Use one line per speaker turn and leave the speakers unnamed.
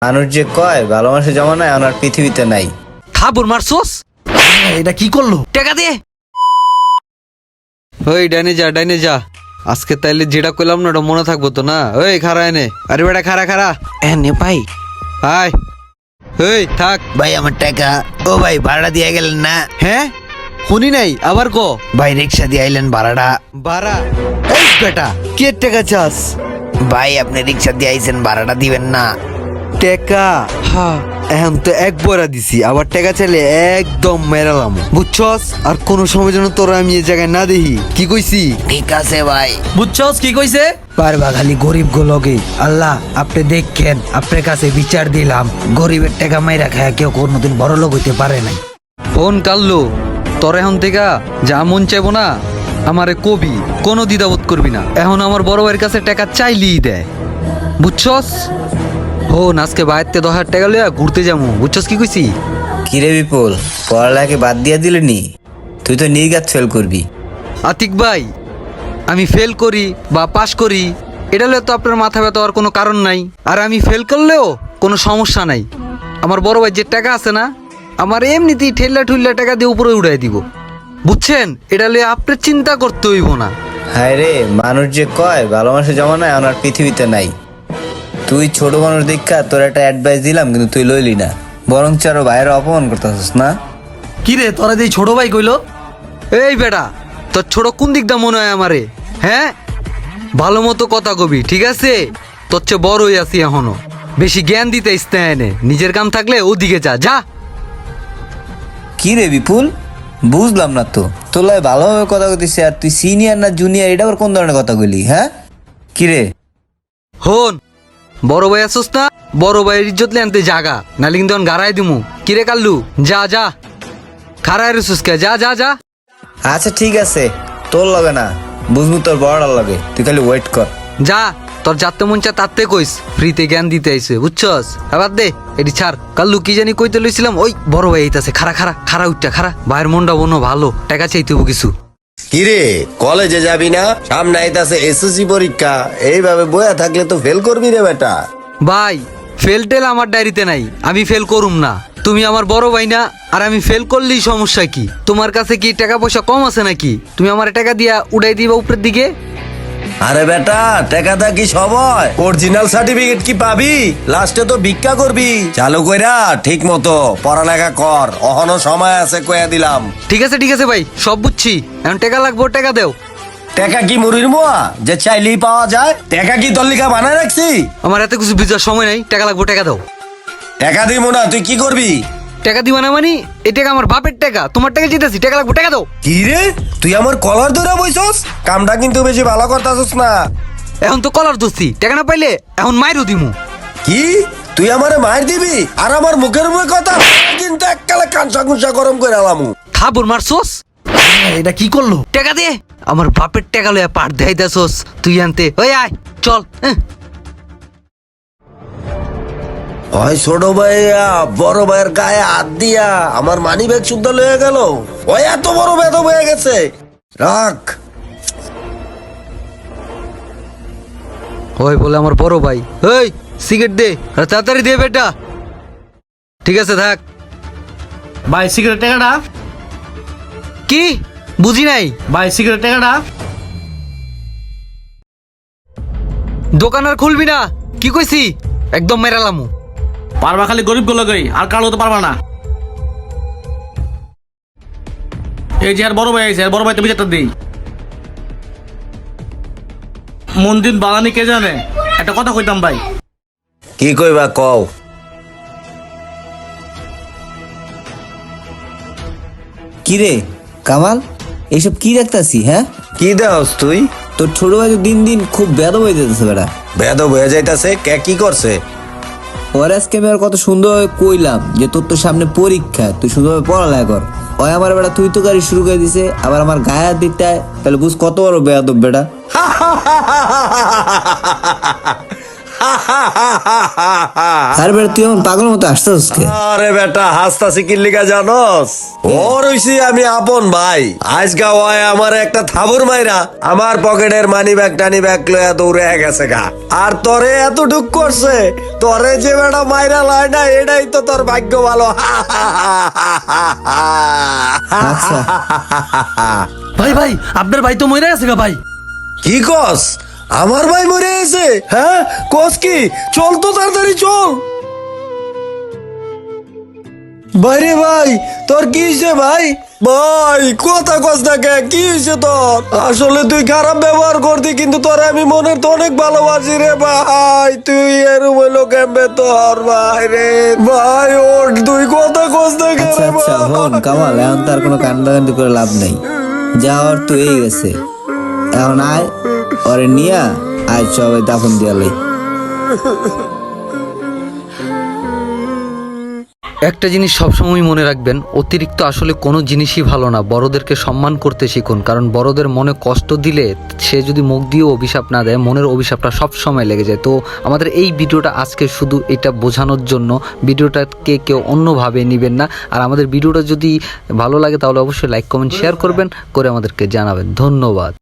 মানুষ যে কয় ভালোবাসা জমানায় আমার পৃথিবীতে নাই।
থাবুর মারছোস?
এটা কি করলো?
টাকা দে। ওই ডাইনে যা, ডাইনে যা। আজকে তাইলে যেটা কইলাম না ওটা মনে থাকবো তো না? ওই খারা এনে, আরে বেটা খারা খারা
এনে ভাই।
হাই ওই থাক।
ভাই আমার টাকা। ও ভাই ভাড়া দিয়ে গেলেন না?
হ্যাঁ শুনি নাই, আবার ক।
ভাই রিক্সা দিয়ে আইলেন ভাড়াটা।
বারা এই বেটা কে টাকা চাস?
ভাই আপনি রিক্সা দিয়ে আইছেন ভাড়াটা দিবেন না?
টাকা হ্যাঁ এখন তো এক বড়া দিছি, আবার টাকা চাইলে একদম মেরালাম বুঝছস। আর কোনো সময় যেন তোরা আমি এই জায়গায় না দেখি। কি কইছি?
ঠিক আছে ভাই।
বুঝছস কি কইছে?
পারবা খালি গরিব গুলোকে। আল্লাহ আপনি দেখেন, আপনার কাছে বিচার দিলাম, গরিবের টাকা মাইরা খায় কেউ কোনোদিন বড় লোক হইতে পারে নাই।
ফোন কাল্লু তোর এখন থেকে যা মন চাইবো না আমারে কবি, কোনো দ্বিধাবোধ করবি না। এখন আমার বড় ভাইয়ের কাছে টাকা চাইলেই দেয় বুঝছস। হন আজকে বাইরতে 10,000 টাকা লইয়া ঘুরতে যাবো বুঝছস। কি কইছি?
কিরে বিপুল, পড়ালেখাকে বাদ দিয়া দিলে নি? তুই তো নির্ঘাত ফেল করবি।
আতিক ভাই আমি ফেল করি বা পাশ করি এটা লইয়া তো আপনার মাথা ব্যথা হওয়ার কোনো কারণ নাই। আর আমি ফেল করলেও কোনো সমস্যা নাই। আমার বড় ভাই যে টাকা আছে না, আমার এমনিতেই ঠেল্লা ঠুল্লা টাকা দিয়ে উপরে উড়াই দিব বুঝছেন। এটা লইয়া আপনার চিন্তা করতে হইব না।
হায় রে, মানুষ যে কয় ভালোবাসা জমানায় আমার পৃথিবীতে নাই। তুই ছোট মানুষ দীক্ষা তোর একটা অ্যাডভাইস দিলাম কিন্তু তুই লইলি না, বরং আরো বাইরে অপমান করতেছিস না।
কি রে তোরা যে ছোট ভাই কইলো?
এই বেটা তোর ছোট কোন দিকটা মনে হয় আমারে? হ্যাঁ ভালো মতো কথা কবি ঠিক আছে? তোর চেয়ে বড় হয়ে আছি এখনো, বেশি জ্ঞান দিতে ইস্তেনে। নিজের কাম থাকলে ওদিকে যা যা।
কি রে বিপুল, বুঝলাম না তো। তোলাই ভালোভাবে কথা কইতেছি আর তুই সিনিয়র না জুনিয়র, এটা আবার কোন ধরনের কথা কইলি? হ্যাঁ কি রে?
হন বড় ভাই আসোস না, বড় ভাইয়ের ইজ্জত লে আনতে জাগা, নালি কিন্তু গাড়াই দিমু। কিরে কাল্লু যা যা, খারায় রেসুস কে, যা যা যা।
আচ্ছা ঠিক আছে, তোর লাগে না, বুঝবো তোর বড়ার লাগে, তুই খালি ওয়েট কর।
যা তোর যাতে মন চা তাতে কইস, ফ্রিতে জ্ঞান দিতে আইছে বুঝছস। আবার দে এটি ছাড়। কাল্লু কি জানি কইতে লইছিলাম, ওই বড় ভাই এইতাছে। খারা খারা খারা উঠটা খারা, ভাইয়ের মনটা বনো ভালো, টাকা চাইতে হবো কিছু।
কিরে কলেজে যাবি না? সামনে আইতাছে এসএসসি পরীক্ষা, এইভাবে বয়া থাকলে তো ফেল করবি রে বেটা।
ভাই ফেল টেল আমার ডায়েরিতে নাই, আমি ফেল করুম না। তুমি আমার বড় ভাই না, আর আমি ফেল করলেই সমস্যা কি? তোমার কাছে কি টাকা পয়সা কম আছে নাকি? তুমি আমার টাকা দিয়া উড়াই দিবা উপরের দিকে।
আরে বেটা টাকাটা কি সবাই অরিজিনাল সার্টিফিকেট কি পাবি? লাস্টে তো ভিক্ষা করবি। চালু কইরা ঠিক মতো পড়ালেখা কর, অহনো সময় আছে কইয়া দিলাম।
ঠিক আছে ভাই সব বুঝছি, এখন টাকা লাগবো, টাকা দেও।
টাকা কি মুড়ির মোয়া যে চাইলেই পাওয়া যায়? টাকা কি তল্লিকা বানায় রাখছি?
আমার এত কিছু বুঝার সময় নাই, টাকা লাগবো, টাকা দাও।
টাকা দিব না, তুই কি করবি?
টাকা দিবা না মানে? এই টাকা আমার বাপের টাকা, তোমার টাকা জিতেছি, টাকা লাগবো, টাকা দাও।
কি রে তুই আমার কলার ধরে বইছস? কামটা কিন্তু বেশি ভালো করতাছস না।
এখন তো কলার দোষী, টাকা না পাইলে এখন মাইরও দিমু।
কি তুই আমারে মার দিবি? আর আমার মুখের মুখে কথা কিন্তু এককালে কাঁচা কুচা গরম করে আলামু।
থাবুর মারছোস?
এটা কি করলো?
টাকা দে। আমার বাপের টাকা লইয়া পাট দেখাইতাছোস তুই আনতে। ওই আয় চল।
ওই ছোট ভাইয়া বড় ভাইয়ের গায়ে হাত দিয়া আমার মানি ব্যাগ শুদ্ধ লয়ে গেল। ওই এত বড় বেদব হয়ে গেছে। রাখ।
ওই বলে আমার বড় ভাই। এই সিগারেট দে, আর তাড়াতাড়ি দে বেটা। ঠিক আছে থাক।
ভাই সিগারেট টাকাটা।
কি বুঝি নাই?
ভাই সিগারেট টাকাটা।
দোকান আর খুলবি না, কি কইছি? একদম মেরালামু।
পারবা খালি গরিব গুলো গই, আর কালো তো পারবা না। এই যে আর বড় ভাই আছে, আর বড় ভাই তো বিচারটা দিই। মন্দির বানানি কে জানে? একটা কথা কইতাম ভাই।
কি কইবা কও?
কি রে কামাল, এইসব কি দেখতাছি? হ্যাঁ
কি দেওস তুই?
তোর ছোট ভাই তো দিন দিন খুব বেদব হয়ে যেতেছে বেটা।
বেদব হয়ে যাইতাছে কে? কি করছে?
ওর আজকে আমি আর কত সুন্দরভাবে কইলাম যে তোর তো সামনে পরীক্ষা, তুই সুন্দরভাবে পড়ালেখা কর। ওই আমার বেটা তুই তো গাড়ি শুরু করে দিছে, আবার আমার গায়ে হাত দিতে হয়। তাহলে বুঝ কত বড় বেয়াদব বেটা। আরে বেটা তুই এমন পাগল মতো আসতেছিস কে?
আরে বেটা হাসতাছি কি লিগা জানোস? ওর হইছি আমি আপন ভাই। আজকা ওয় আমার একটা থাবুর মাইরা আমার পকেটের মানি ব্যাগ টানি ব্যাগ লয়া দৌড়ে গেছে গা। আর তোরে এত ঢুক করছে, তোরে যে বেটা মাইরা লয় না এটাই তো তোর ভাগ্য ভালো।
আচ্ছা
ভাই ভাই আপনার ভাই তো মরে গেছে গা ভাই।
কি কস? আমার ভাই মরে গেছে? হ্যাঁ কস কি? চল তো তাড়াতাড়ি চল। বাইরে ভাই তোর কি হয়েছে ভাই? ভাই কথা কস না কে? কি হয়েছে তোর? আসলে তুই খারাপ ব্যবহার করতি, কিন্তু তোর আমি মনের তো অনেক ভালোবাসি রে ভাই। তুই এরম হইলো কেমবে তোর ভাই রে? ভাই ওর তুই কথা কস না কে
আচ্ছা
রে
আচ্ছা হন কামাল, এখন তার কোনো কান্দাকান্দি করে লাভ নেই। যা ওর তো এই গেছে, এখন আয় ওরে নিয়া আয় সবাই দাফন দিয়ালাই।
একটা জিনিস সবসময় মনে রাখবেন, অতিরিক্ত আসলে কোনো জিনিসই ভালো না। বড়দেরকে সম্মান করতে শিখুন, কারণ বড়দের মনে কষ্ট দিলে সে যদি মুখ দিয়ে অভিশাপ না দেয়, মনের অভিশাপটা সব সময় লেগে যায়। তো আমাদের এই ভিডিওটা আজকে শুধু এটা বোঝানোর জন্য, ভিডিওটাকে কেউ অন্যভাবে নেবেন না। আর আমাদের ভিডিওটা যদি ভালো লাগে তাহলে অবশ্যই লাইক কমেন্ট শেয়ার করবেন, করে আমাদেরকে জানাবেন। ধন্যবাদ।